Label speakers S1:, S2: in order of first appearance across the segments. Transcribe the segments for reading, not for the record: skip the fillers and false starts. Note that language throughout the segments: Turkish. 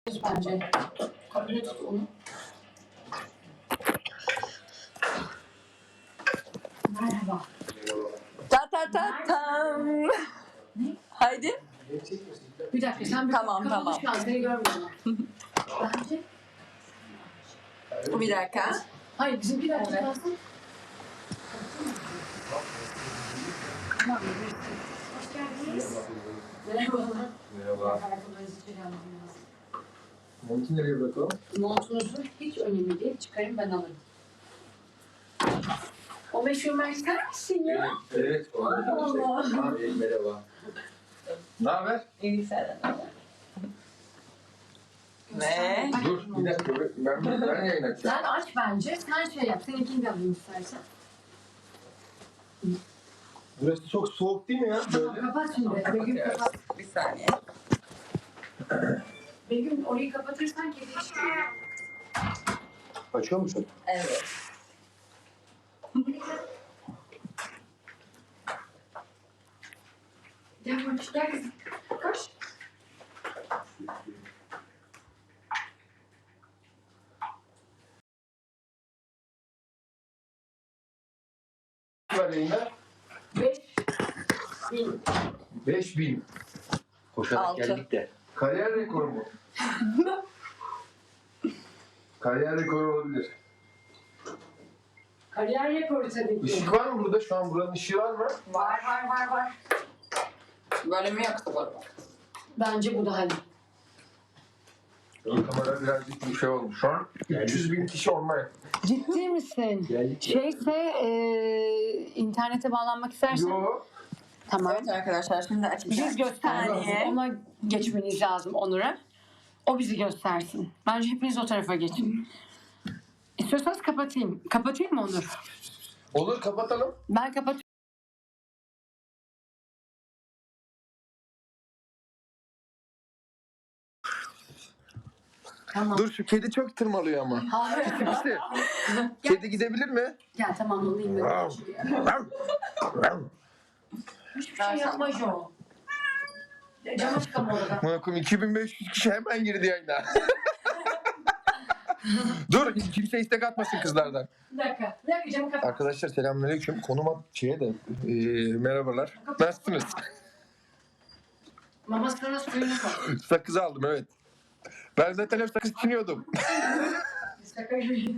S1: Bence. Kabine tut onu. Merhaba.
S2: Ta ta ta tam.
S1: Ne?
S2: Haydi.
S1: Bir dakika sen bir
S2: Tamam, tamam.
S1: şu an seni görmüyorum. Bence.
S2: Bir dakika.
S1: Hayır bizim bir dakika kalsın. Tamam. Hoş geldiniz. Merhaba.
S3: Merhaba.
S1: Ayakkabılarınızı içeri almam lazım.
S3: Montu nereye bırakalım?
S1: Montunuzu hiç önemli değil. Çıkarın ben alırım. O meşhur Mert'ten misin ya?
S3: Evet.
S1: Allah.
S3: Abi merhaba. Ne haber?
S2: İyi senden. Ne?
S3: Dur bir dakika ben yayın açacağım.
S1: Sen aç bence. Sen şey yap. Seninkini de alayım istersen.
S3: Burası çok soğuk değil mi ya?
S1: Tamam
S3: Böyle.
S1: kapat şimdi. Begüm kapat.
S2: Bir saniye.
S1: Begüm orayı kapatırsan kedi çıkıyor.
S3: Açıyor musun?
S2: Evet.
S1: Gel koş. Gel kızım. Koş.
S3: Var yayında.
S1: 5.000.
S3: 5000. Koşarak
S2: 6.
S3: geldik de. Kariyer rekoru mu? Kariyer rekoru olabilir.
S1: Kariyer rekoru tabii ki.
S3: Işık var mı burada? Şu an buranın ışığı var mı?
S1: Var.
S2: Böyle mi yoksa böyle mi?
S1: Bence bu daha iyi.
S3: Kamera birazcık bir şey olmuş. Şu an 300.000 kişi online.
S1: Ciddi misin?
S3: Geldik.
S1: Şeyse internete bağlanmak istersen.
S3: Yo.
S1: Tamam.
S2: Evet arkadaşlar şimdi açacağım.
S1: Biz göstereceğiz.
S2: Saniye.
S1: Ona geçmeniz lazım Onur'a. O bizi göstersin. Bence hepiniz o tarafa geçin. İstiyorsanız kapatayım. Kapatayım mı Onur?
S3: Olur kapatalım.
S1: Ben kapatıyorum. Tamam.
S3: Dur şu kedi çok tırmalıyor ama.
S1: Hayır.
S3: İşte. Kedi gidebilir mi?
S1: Gel tamam alayım ben. Hiçbir şey yapma Jo. Cama çıkam orada.
S3: Bakın 2500 kişi hemen girdi yayına. Dur kimse istek atmasın kızlardan.
S1: Bir dakika camı kapat.
S3: Arkadaşlar selamünaleyküm. Konum at şeye de merhabalar. Nasılsınız?
S1: Mamasına suyunu koy.
S3: Sakız aldım evet. Ben zaten hep sakız çiğniyordum.
S1: Şaka gibi.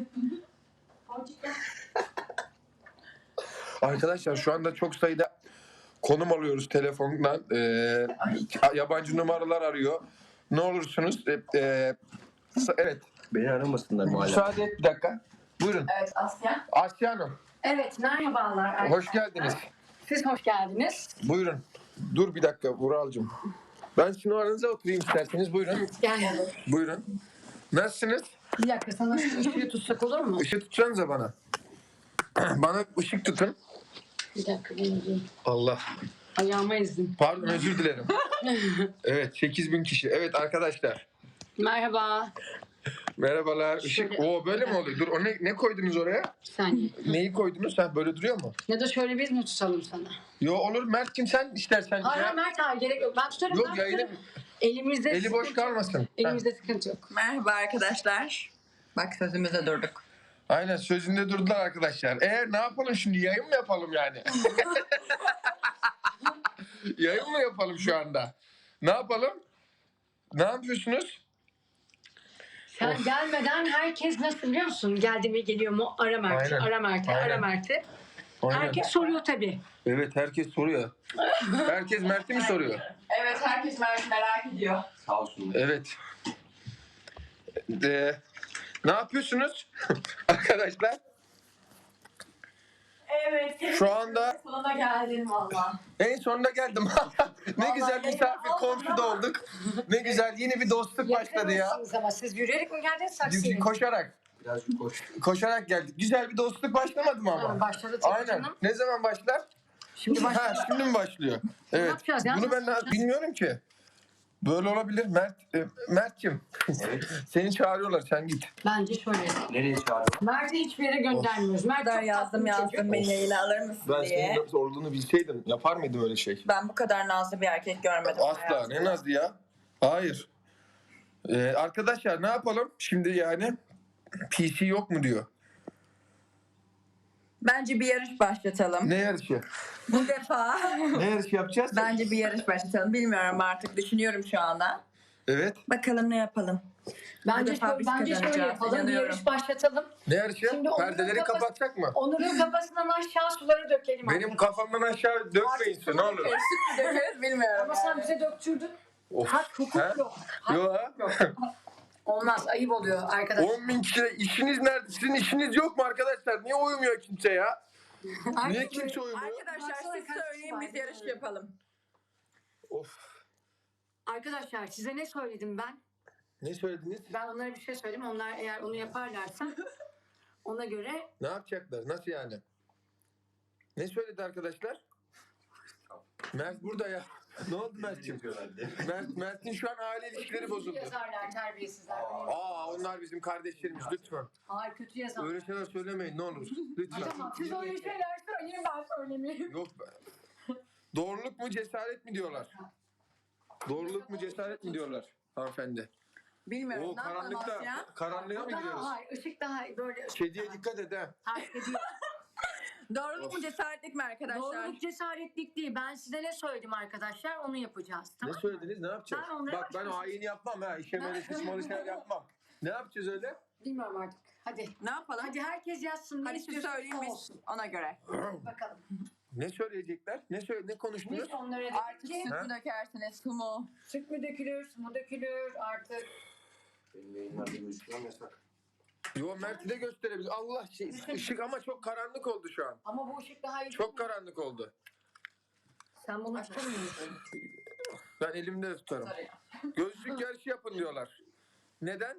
S3: Arkadaşlar şu anda çok sayıda konum alıyoruz telefondan. Yabancı numaralar arıyor. Ne olursunuz? Evet.
S4: Beni aramasınlar maalesef.
S3: Müsaade et bir dakika. Buyurun.
S2: Evet Asya.
S3: Asya Hanım.
S1: Evet merhabalar.
S3: Hoş geldiniz.
S1: Siz hoş geldiniz.
S3: Buyurun. Dur bir dakika Vuralcığım. Ben sizin aranıza oturayım isterseniz. Buyurun.
S1: Gel.
S3: Buyurun. Nasılsınız?
S1: Bir dakika sana şu ışığı tutsak olur mu?
S3: Işık tutacaksınız bana. Bana ışık tutun.
S1: Bir dakika benim
S3: Allah.
S1: ayağıma ezdim.
S3: Pardon özür dilerim. Evet 8000 kişi. Evet arkadaşlar.
S1: Merhaba.
S3: Merhabalar. Işık.
S1: Şöyle-
S3: Oo böyle mi oluyor? Dur o ne koydunuz oraya?
S1: Bir saniye.
S3: Neyi koydunuz? Sen böyle duruyor mu?
S1: Ya da şöyle biz mi tutalım sana?
S3: Yo olur Mert'cim sen istersen.
S1: Hayır
S3: ya.
S1: Mert abi gerek yok. Ben tutarım.
S3: Yok
S1: ben
S3: yayını
S1: tutarım. Elimizde
S3: eli boş
S1: sıkıntı yok.
S3: kalmasın. Heh.
S1: Elimizde sıkıntı yok.
S2: Merhaba arkadaşlar. Bak sözümüze durduk.
S3: Aynen sözünde durdular arkadaşlar. Ne yapalım şimdi yayın mı yapalım yani? Yayın mı yapalım şu anda? Ne yapalım? Ne yapıyorsunuz?
S1: Sen gelmeden herkes nasıl biliyor musun? Geldi mi geliyor mu? Ara Mert'i,
S3: Aynen.
S1: ara Mert'i, ara
S3: Aynen.
S1: Mert'i.
S3: Aynen.
S1: Herkes soruyor tabii.
S3: Evet herkes soruyor. Herkes Mert'i mi soruyor?
S2: Evet herkes merak ediyor.
S4: Sağ olsun.
S3: Evet. Ne yapıyorsunuz arkadaşlar?
S2: Evet.
S3: Şu anda
S2: Sonuna geldin valla.
S3: en sonunda geldim. Ne
S2: Vallahi
S3: güzel
S2: yayın
S3: misafir
S2: olmadı
S3: komşu da
S2: ama.
S3: olduk. Ne güzel yeni bir dostluk başladı ya.
S1: Yakınmışsınız ama siz yürüyerek mi geldiniz taksiyle?
S3: Koşarak.
S4: Birazcık koş.
S3: Koşarak geldik. Güzel bir dostluk başlamadı mı ama?
S1: Ha, başladı tabii
S3: Aynen.
S1: canım.
S3: Ne zaman başlar?
S1: Şimdi başladı.
S3: Ha, şimdi mi başlıyor? Evet.
S1: yapacağız ya?
S3: Bunu ben
S1: Nasıl yapacağız?
S3: bilmiyorum ki. Böyle olabilir. Mert'cim.
S4: Evet.
S3: Seni çağırıyorlar sen git.
S1: Bence şöyle.
S4: Nereye çağırdın?
S1: Mert'i hiçbir yere göndermiyoruz. Mert
S2: kadar
S1: çok
S2: yazdım
S1: tatlı bir çocuk.
S2: beni yayına alır mısın
S3: Ben
S2: diye.
S3: senin nasıl olduğunu bilseydim yapar mıydım öyle şey?
S2: Ben bu kadar nazlı bir erkek görmedim
S3: Asla.
S2: hayatımda.
S3: Ne nazlı ya? Hayır. Arkadaşlar ne yapalım? Şimdi yani PC yok mu diyor.
S2: Bence bir yarış başlatalım.
S3: Ne yarışı?
S2: Bu defa
S3: Ne yarışı yapacağız?
S2: bence bir yarış başlatalım. Bilmiyorum artık. Düşünüyorum şu anda.
S3: Evet.
S2: Bakalım ne yapalım.
S1: Bence,
S2: defa biz
S1: bence şöyle
S2: kazanacağız,
S1: yapalım. Bir
S2: inanıyorum.
S1: yarış başlatalım.
S3: Ne yarışı?
S1: Şimdi Onur'un
S3: Perdeleri
S1: kafası-
S3: kapatsak mı?
S1: Onur'un kafasından aşağı suları dökelim.
S3: Benim
S1: arkadaşlar.
S3: kafamdan aşağı dökmeyin su, ne olur.
S2: Süt mü dökeriz bilmiyorum.
S1: Ama sen bize döktürdün.
S3: Of.
S1: Hak, hukuk
S3: He?
S1: yok. Hak,
S3: Yo.
S1: hukuk yok. Olmaz. Ayıp oluyor arkadaşlar.
S3: 10.000 kişi işiniz nerede? Sizin işiniz yok mu arkadaşlar? Niye uyumuyor kimse ya? Niye kimse uyumuyor?
S2: Arkadaşlar
S1: Baksana
S2: siz
S1: kaç kişi
S2: söyleyin
S1: var,
S2: biz yarış
S1: görüyorum.
S2: yapalım.
S3: Of.
S1: Arkadaşlar size ne söyledim ben?
S3: Ne söylediniz?
S1: Ben onlara bir şey söyledim. Onlar eğer onu yaparlarsa ona göre
S3: Ne yapacaklar? Nasıl yani? Ne söyledi arkadaşlar? Mert burada ya. Ne oldu Mert'ciğim? Mert'in şu an aile ilişkileri bozuldu.
S1: yazarlar terbiyesizler.
S3: Onlar bizim kardeşlerimiz lütfen.
S1: Hayır kötü yazarlar.
S3: Öyle şeyler söylemeyin ne olur. Lütfen.
S1: Tamam siz öyle şeyler söyleyin ben söylemeyeyim.
S3: Yok be. Doğruluk mu cesaret mi diyorlar? Doğruluk mu cesaret mi diyorlar hanımefendi?
S2: Bilmiyorum.
S3: O
S2: Ne yapalım
S3: karanlıkta,
S2: Asya?
S3: karanlığa mı giriyoruz?
S1: Hayır ışık daha böyle.
S3: Kediye dikkat et ha.
S1: Hayır ediyor.
S2: Doğruluk mu cesaretlik mi arkadaşlar?
S1: Doğruluk cesaretlik değil. Ben size ne söyledim arkadaşlar onu yapacağız.
S3: Ne
S1: Tamam mı?
S3: söylediniz ne yapacağız?
S1: Ben onlara
S3: Bak ben
S1: başka-
S3: hain yapmam ha. İşe böyle sıçmalı şeyler yapmam. Ne yapacağız öyle?
S1: Bilmiyorum artık. Hadi.
S2: Ne yapalım?
S1: Hadi herkes yazsın. Ne
S2: Hadi siz
S1: istiyorsanız
S2: söyleyin biz
S1: olsun.
S2: ona göre.
S1: Bakalım.
S3: Ne söyleyecekler? Ne konuştunuz?
S1: Biz onlara
S2: Artık
S1: dedik ki
S2: süt
S3: Ha?
S2: mü dökersiniz, su mu?
S1: süt mü dökülür, su mu dökülür artık.
S4: Benim yayınlarda görüşmem yasak.
S3: Yo Mert'i de gösterebilir. Allah şey ışık ama çok karanlık oldu şu an.
S1: Ama bu ışık daha iyi.
S3: Çok karanlık oldu.
S1: Sen bunu tutamıyorsun.
S3: Ben elimde de tutarım. Gözlük yarışı yapın diyorlar. Neden?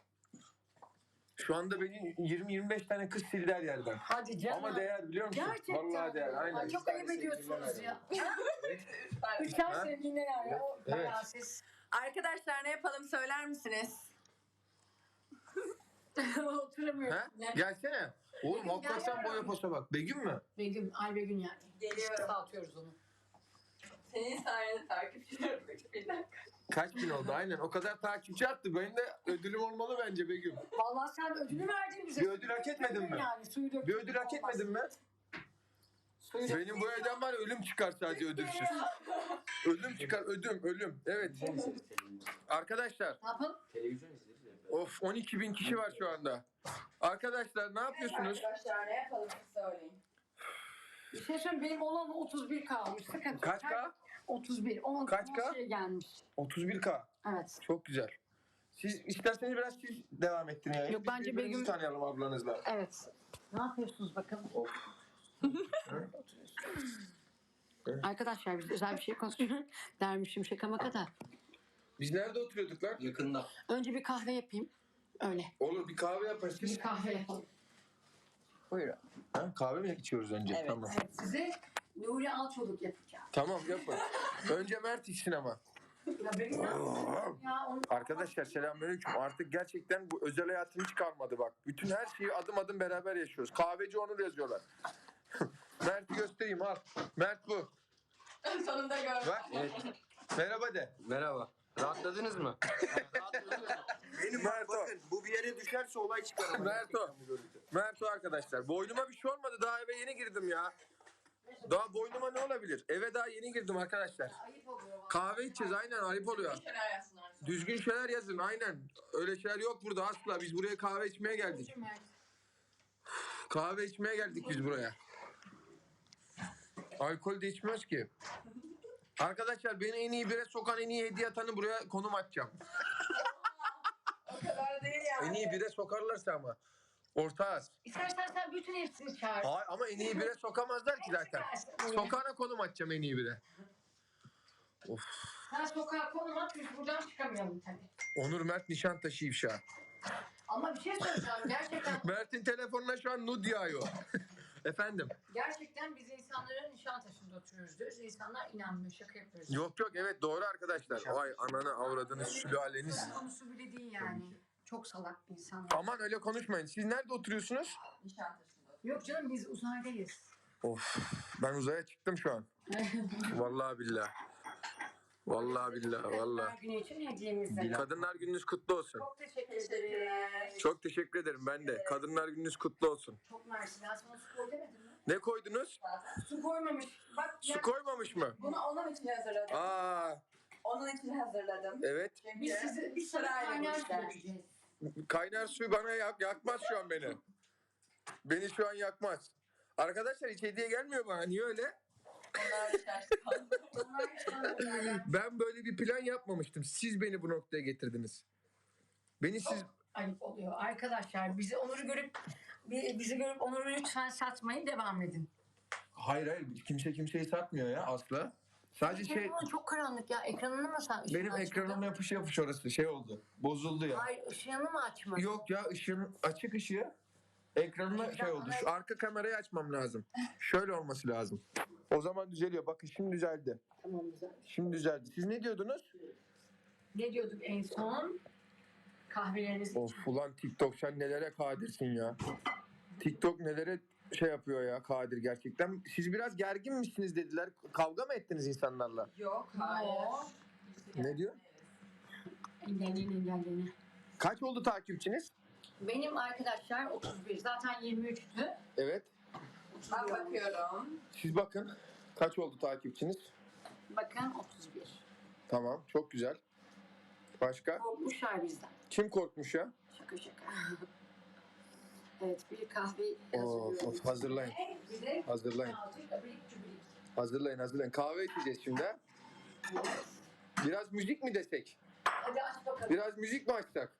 S3: Şu anda beni 20-25 tane kız sildi her yerden.
S1: Hadi canım.
S3: Ama değer biliyor musun?
S1: Gerçekten.
S3: Vallahi değer. Aynen.
S1: Ay, çok ayıp ediyorsunuz ya. Üçer
S3: Ha?
S1: sevgiline yani. O
S3: Evet.
S1: bayağı siz.
S2: Arkadaşlar ne yapalım söyler misiniz?
S1: Oturamıyorum.
S3: Ha?
S1: Ne?
S3: Gelsene. Oğlum
S1: Begüm,
S3: hakikaten
S1: gel
S3: boya
S1: yavrum.
S3: posa bak. Begüm mü?
S1: Begüm, ay Begüm yani.
S2: Geliyorum.
S1: Dağıtıyoruz onu.
S2: Senin sayende takipçilerim. Bir dakika.
S3: Kaç bin oldu? Aynen. O kadar takipçi attı. Benim de ödülüm olmalı bence Begüm.
S1: Vallahi sen ödülü verdin bize.
S3: Bir ödül hak etmedin mi?
S1: Yani, suyu döktün.
S3: Bir ödül hak etmedin mi?
S1: Suyu
S3: Benim bu evden var ya, ölüm çıkar sadece ödülsüz. Ölüm çıkar, ölüm. Evet. Arkadaşlar,
S1: Ne yapalım?
S4: Televizyon izleriz ya.
S3: of 12 bin kişi var şu anda. Arkadaşlar ne yapıyorsunuz?
S2: Arkadaşlar ne yapalım siz söyleyin.
S1: Bir şey söyleyeyim benim olan 31 kalmış. Sıkıntı.
S3: Kaç K?
S1: 31. 10
S3: Kaç K?
S1: Şey gelmiş.
S3: 31K.
S1: Evet.
S3: Çok güzel. Siz isterseniz biraz siz devam ettin yani.
S1: Yok,
S3: Biz
S1: bence
S3: birbirimizi
S1: Begüm-
S3: tanıyalım ablanızla.
S1: Evet. Ne yapıyorsunuz bakalım? Arkadaşlar biz özel bir şey konuşuyoruz. Dermişim şaka maka da.
S3: Biz nerede oturuyorduk lan?
S4: Yakında.
S1: Önce bir kahve yapayım. Öyle.
S3: Olur bir kahve yaparız.
S1: Bir kahve yapalım.
S2: Buyurun.
S3: Ha, kahve mi içiyoruz önce?
S2: Evet.
S3: Tamam.
S1: Evet size Nuri Alçoluk yapacağım.
S3: Tamam yapın. Önce Mert içsin ama.
S1: Ya benim ya onu...
S3: Arkadaşlar selamünaleyküm. Artık gerçekten bu özel hayatım hiç kalmadı bak. Bütün her şeyi adım adım beraber yaşıyoruz. Kahveci Onur yazıyorlar. Mert'i göstereyim al. Mert bu.
S2: Sonunda gördüm.
S3: Bak.
S4: Evet.
S3: Merhaba de.
S4: Merhaba. Rahatladınız mı?
S3: Benim Mert o.
S4: Bakın bu bir yere düşerse olay çıkar. ama.
S3: Mert o. Mert o arkadaşlar. Boynuma bir şey olmadı. Daha eve yeni girdim ya. Daha boynuma ne olabilir? Eve daha yeni girdim arkadaşlar.
S1: Ayıp oluyor.
S3: Kahve içeceğiz aynen ayıp oluyor.
S2: Şeyler yazsınlar.
S3: Düzgün şeyler yazın aynen. Öyle şeyler yok burada asla. Biz buraya kahve içmeye geldik. Kahve içmeye geldik biz buraya. Alkol de içmiyoruz ki. Arkadaşlar beni en iyi bire sokan en iyi hediye atanı buraya konum atacağım.
S2: O kadar değil yani.
S3: En iyi bire sokarlarsa ama. Ortağız.
S1: İstersen sen bütün hepsini çağır.
S3: Hayır ama en iyi bire sokamazlar ki zaten. Sokağına konum atacağım en iyi bire. Of.
S1: Sen sokağa konum at biz buradan çıkamayalım tabii.
S3: Onur Mert Nişantaşı ifşa.
S1: Ama bir şey söyleyeceğim. Gerçekten
S3: Mert'in telefonuna şu an nud yağıyor. Efendim.
S1: gerçekten biz insanların Nişantaşı'nda oturuyoruz diyoruz. İnsanlar inanmıyor. Şaka yapıyoruz.
S3: Yok yok evet doğru arkadaşlar. Vay ananı avradınız sülaleniz.
S1: Konusu bile değil yani. Çok salak insanlar.
S3: Aman öyle konuşmayın. Siz nerede oturuyorsunuz?
S2: Nişantaşı'nda.
S1: Yok canım biz uzaydayız.
S3: Of ben uzaya çıktım şu an. Vallahi billahi. Vallahi billahi vallahi.
S1: Kadınlar Günü için hediyemiz.
S3: Kadınlar Gününüz kutlu olsun.
S1: Çok teşekkür ederim.
S3: Çok teşekkür ederim ben de. Kadınlar Gününüz kutlu olsun.
S1: Çok mersi. Ben sana su koy demedim mi?
S3: Ne koydunuz?
S1: Su koymamış. Bak
S3: Su koymamış mı?
S2: Bunu onun için hazırladım.
S3: Aa,
S2: Onun için hazırladım.
S3: evet.
S2: Çünkü
S1: biz sana
S2: sırayla
S1: kaynar su
S2: işler.
S1: dökeceğiz.
S3: Kaynar suyu bana yakmaz şu an beni. Beni şu an yakmaz. Arkadaşlar hiç hediye gelmiyor bana. Niye öyle?
S2: Onlar düşer.
S1: Onlar işte
S3: Ben böyle bir plan yapmamıştım. Siz beni bu noktaya getirdiniz. Beni siz...
S1: ayıp oluyor. Arkadaşlar bizi görüp Onur'u lütfen satmayın, devam edin.
S3: Hayır kimse kimseyi satmıyor ya asla. Sadece
S1: Telefon çok karanlık ya. Ekranını mı sen?
S3: benim ekranıma yapış orası şey oldu. Bozuldu ya.
S1: Hayır, ışığını mı açmadın?
S3: Yok ya açık ışığı ekranına şey oldu. Şu arka kamerayı açmam lazım. Şöyle olması lazım. O zaman düzeliyor. Bakın şimdi düzeldi.
S1: Tamam, güzel.
S3: Şimdi düzeldi. Siz ne diyordunuz?
S1: Ne diyorduk en son? Kahveleriniz için.
S3: Of ulan TikTok sen nelere kadirsin ya. TikTok nelere şey yapıyor ya Kadir gerçekten. Siz biraz gergin misiniz dediler. Kavga mı ettiniz insanlarla?
S2: Yok, hayır.
S3: Ne diyor?
S1: Engelleyin.
S3: Kaç oldu takipçiniz?
S1: Benim arkadaşlar 31. Zaten 23'tü.
S3: Evet.
S2: Ben bakıyorum.
S3: Siz bakın. Kaç oldu takipçiniz?
S1: Bakın 31.
S3: Tamam. Çok güzel. Başka?
S1: Korkmuşlar bizden.
S3: Kim korkmuş ya?
S1: Şaka. Evet, bir kahve
S3: Of,
S1: hazırlıyorum.
S3: hazırlayın.
S1: Bir de
S3: Hazırlayın.
S1: birazcık abrik cübrik.
S3: Hazırlayın. Kahve içeceğiz şimdi. Ha? Biraz müzik mi desek?
S1: Hadi aç bakalım.
S3: Biraz müzik mi açsak?